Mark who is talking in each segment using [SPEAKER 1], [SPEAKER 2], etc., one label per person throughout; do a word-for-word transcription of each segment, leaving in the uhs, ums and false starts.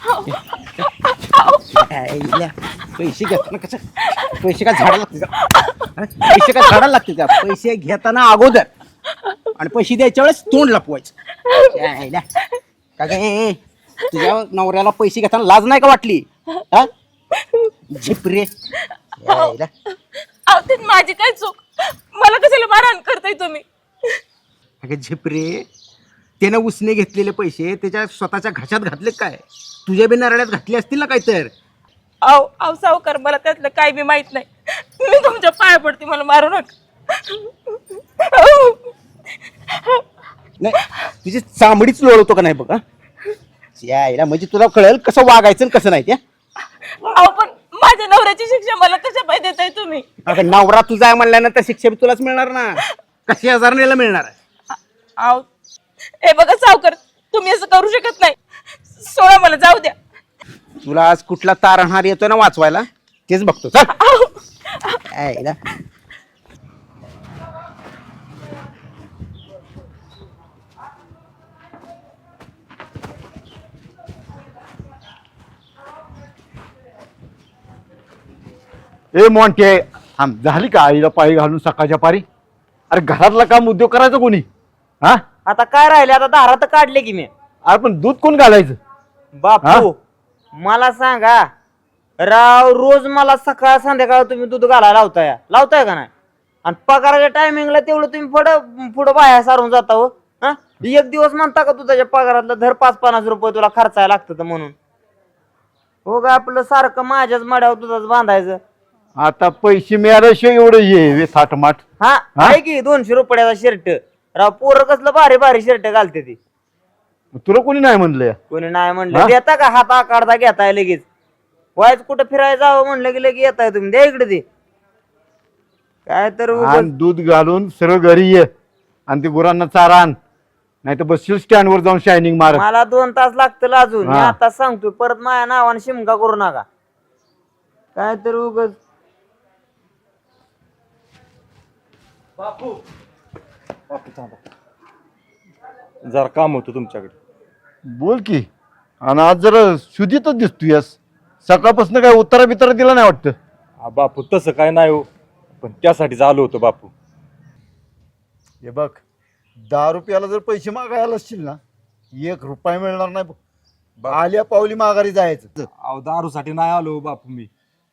[SPEAKER 1] पैसे घेताना कसं पैसे का झाडाला लागते का पैसे का झाडाला लागते का पैसे घेताना अगोदर आणि पैसे द्यायच्या वेळेस तोंड लपवायचं का गे तुझ्या नवऱ्याला पैसे घेताना लाज नाही का वाटली हा झिपरे
[SPEAKER 2] माझी काय चूक मला कशाला मारहाण करताय तुम्ही
[SPEAKER 1] अगं झिपरे त्यानं उसने घेतलेले पैसे त्याच्या स्वतःच्या घशात घातले काय तुझ्या बी नारळ्यात घातले असतील ना काय तर
[SPEAKER 2] आव आव सावकार मला त्यातलं काय बी माहित नाही मी तुमच्या पाया पडते मला मारू नका
[SPEAKER 1] नाही तुझी चांबडीच लोळवतो का नाही बघा यायला म्हणजे तुला कळेल कसं वागायचं कसं नाही त्या
[SPEAKER 2] अहो पण माझ्या नवऱ्याची शिक्षा मला कशा पाहिजे देताय तुम्ही
[SPEAKER 1] अगं नवरा तुझा आहे म्हणल्यानंतर शिक्षा बी तुलाच मिळणार ना कशी हजार नेला मिळणार
[SPEAKER 2] आव हे बघा सावकार तुम्ही असं करू शकत नाही सोळा मला जाऊ द्या
[SPEAKER 1] तुला आज कुठला तारणहार येतोय ना वाचवायला तेच बघतो चल यायला
[SPEAKER 3] ए मोंटे थांब झाली का आईला पायी घालून सकाळच्या पारी अरे घरातला काम उद्योग करायचं कोणी हा
[SPEAKER 4] आता काय राहिले आता दारा तर काढले की मी
[SPEAKER 3] अरे पण दूध कोण घालायचं
[SPEAKER 4] बापू मला सांगा राव रोज मला सकाळ संध्याकाळ तुम्ही दूध घालायला लावताय लावताय का नाही आणि पगाराच्या टायमिंगला तेवढं तुम्ही पुढं पुढं बाहेर सारून जाता हो हा एक दिवस म्हणता का तुझ्या पगारातलं धर पाच पन्नास रुपये तुला खर्चायला लागतं म्हणून हो का आपलं सारखं माझ्याच मड्यावर दुधाच बांधायचं
[SPEAKER 3] आता पैसे मिळाल्याशिवाय एवढं ये थाटमाट
[SPEAKER 4] हा आहे की दोनशे रुपयाचा शर्ट राव पोरं कसलं भारी भारी शर्ट घालते ती
[SPEAKER 3] तुला कोणी नाही म्हणलं
[SPEAKER 4] कोणी नाही म्हणलं देता का हात आकारता घेताय लगेच वायच कुठं फिरायला जावं म्हणलं की लगेच येताय तुम्ही द्या इकडे ते काय तर
[SPEAKER 3] आणि दूध घालून सरळ घरी ये आणि ते गुरांना चारा आण नाही तर बसशील स्टँड वर जाऊन शायनिंग मार
[SPEAKER 4] मला दोन तास लागतं अजून मी आता सांगतोय परत माझ्या नावाने शिमका करू नका काय तर उगच
[SPEAKER 5] बापू बापू थांबा जरा काम होतं तुमच्याकडे
[SPEAKER 3] बोल की आणि आज जरा शुद्धीतच दिसतोयस सकाळपासून काय उत्तरा बितरा दिला नाही वाटतं
[SPEAKER 5] हा बापू तसं काय नाही हो पण त्यासाठीच आलो होतो बापू
[SPEAKER 3] हे बघ दहा रुपयाला जर पैसे मागायला असतील ना एक रुपया मिळणार नाही बघ आल्या पावली माघारी जायचं
[SPEAKER 5] अहो दारूसाठी नाही आलो बापू मी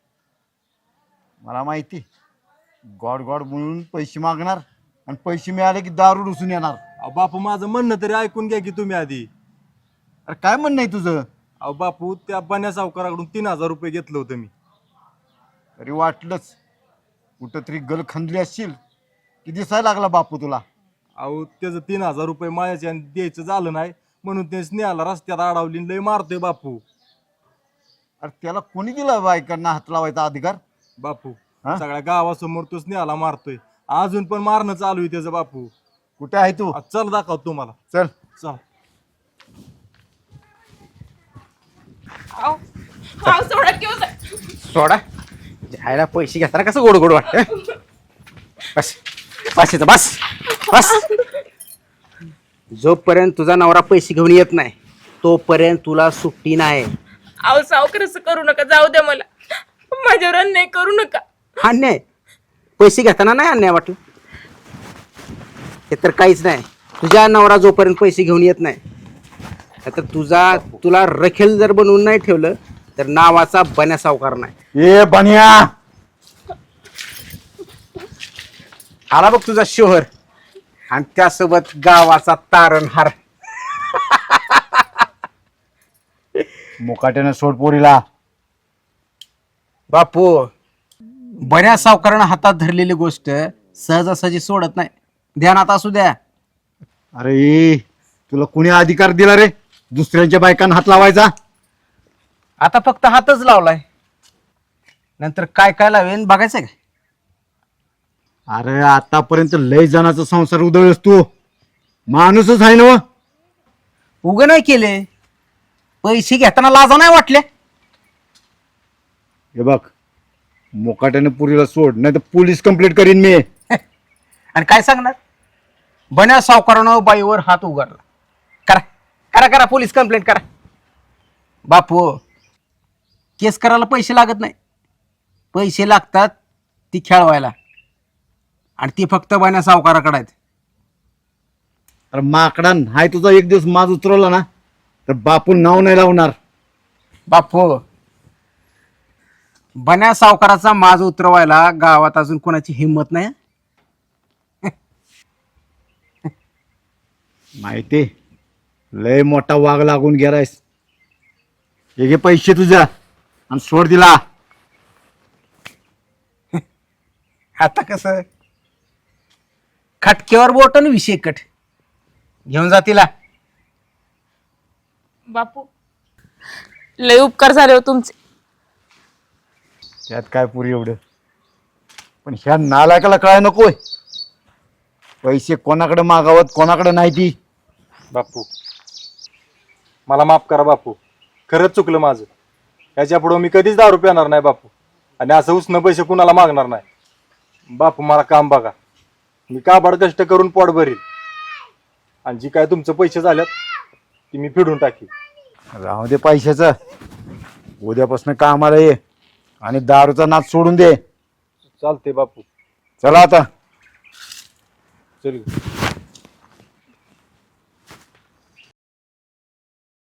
[SPEAKER 3] मला माहिती गॉड गॉड म्हणून पैसे मागणार आणि पैसे मिळाले की दारू डुसून येणार
[SPEAKER 5] अहो बापू माझं म्हणणं तरी ऐकून घ्या की तुम्ही आधी
[SPEAKER 3] अरे काय म्हणणं आहे तुझं
[SPEAKER 5] अहो बापू त्या बन्या सावकाराकडून तीन हजार रुपये घेतलं होतं मी
[SPEAKER 3] तरी वाटलंच कुठं तरी गल खंदली असशील की दिसायला लागला बापू तुला
[SPEAKER 5] अहो त्याचं तीन हजार रुपये माझ्या द्यायचं झालं नाही म्हणून ते स्नेहाला रस्त्यात अडवली लय मारतोय बापू
[SPEAKER 3] अरे त्याला कोणी दिला बायकांना हात लावायचा अधिकार
[SPEAKER 5] बापू सगळ्या गावासमोर तो स्नेहाला मारतोय अजून पण मारणं चालू आहे त्याचं बापू
[SPEAKER 3] कुठे आहे तू
[SPEAKER 5] चल दाखव तुम्हाला
[SPEAKER 3] चल
[SPEAKER 5] चल
[SPEAKER 2] आव आव सोडा किंवा
[SPEAKER 1] सोडा जायला पैसे घेताना कसं गोड गोड वाटत बस बस येतं बस बस जोपर्यंत तुझा नवरा पैसे घेऊन येत नाही तोपर्यंत तुला सुट्टी नाही
[SPEAKER 2] आव सावकार असं करू नका जाऊ द्या मला माझ्यावर अन्याय करू नका
[SPEAKER 1] अन्याय पैसे घेताना नाही अन्याय वाटलं हे तर काहीच नाही तुझ्या नवरा जोपर्यंत पैसे घेऊन येत नाही तर तुझा तुला रखेल जर बनवून नाही ठेवलं तर नावाचा बन्या सावकार नाही
[SPEAKER 3] ए बन्या
[SPEAKER 1] आला बघ तुझा शोहर आणि त्यासोबत गावाचा तारणहार
[SPEAKER 3] मुकाट्यानं सोड पोरीला
[SPEAKER 1] बापू बऱ्या सावकारानं हातात धरलेली गोष्ट सहजासहजी सोडत नाही ध्यानात असू द्या
[SPEAKER 3] अरे तुला कुणी अधिकार दिला रे दुसऱ्यांच्या बायकांना हात लावायचा
[SPEAKER 1] आता फक्त हातच लावलाय नंतर काय काय लावेन बघायचं का
[SPEAKER 3] अरे आतापर्यंत लय जणांचा संसार उधळस तू माणूसच आहे ना
[SPEAKER 1] उग नाही केले पैसे घेताना लाजा नाही वाटले
[SPEAKER 3] हे बघ मुकाट्याने पुरीला सोड नाही तर पोलीस कंप्लेंट करीन मी
[SPEAKER 1] आणि काय सांगणार बन्या सावकारानं बाईवर हात उघडला करा करा करा पोलीस कंप्लेंट करा बापू केस करायला पैसे लागत नाही, पैसे लागतात ती खेळवायला, आणि ती फक्त बन्या सावकाराकडे आहेत.
[SPEAKER 3] अरे माकडा हाय तुझा एक दिवस माज उतरवला ना तर बापू नाव नाही लावणार.
[SPEAKER 1] बापू बन्या सावकाराचा माज उतरवायला गावात अजून कोणाची हिंमत नाही.
[SPEAKER 3] माहिती लय मोठा वाघ लागून गेलायस. हे घे पैसे तुझ्या आणि सोड दिला.
[SPEAKER 1] आता कसं खटक्यावर बोट आणि विषय कट घेऊन जा तिला.
[SPEAKER 2] बापू लय उपकार झाले हो तुमचे.
[SPEAKER 3] त्यात काय पुरी एवढं, पण ह्या नालायकाला काय नकोय. पैसे कोणाकडे मागावत कोणाकडे नाही ती.
[SPEAKER 5] बापू मला माफ करा बापू, खरंच चुकलं माझं. याच्या पुढं मी कधीच दारू पिणार नाही बापू, आणि असं उसनं पैसे कुणाला मागणार नाही. बापू मला काम बघा, मी काबाड कष्ट करून पोट भरील, आणि जी काय तुमचं पैसे झाल्यात ती मी फिडून टाकी.
[SPEAKER 3] राहू दे पैशाचं, उद्यापासून कामाला ये आणि दारूचा नाच सोडून दे.
[SPEAKER 5] चालते बापू,
[SPEAKER 3] चला आता.
[SPEAKER 5] चल.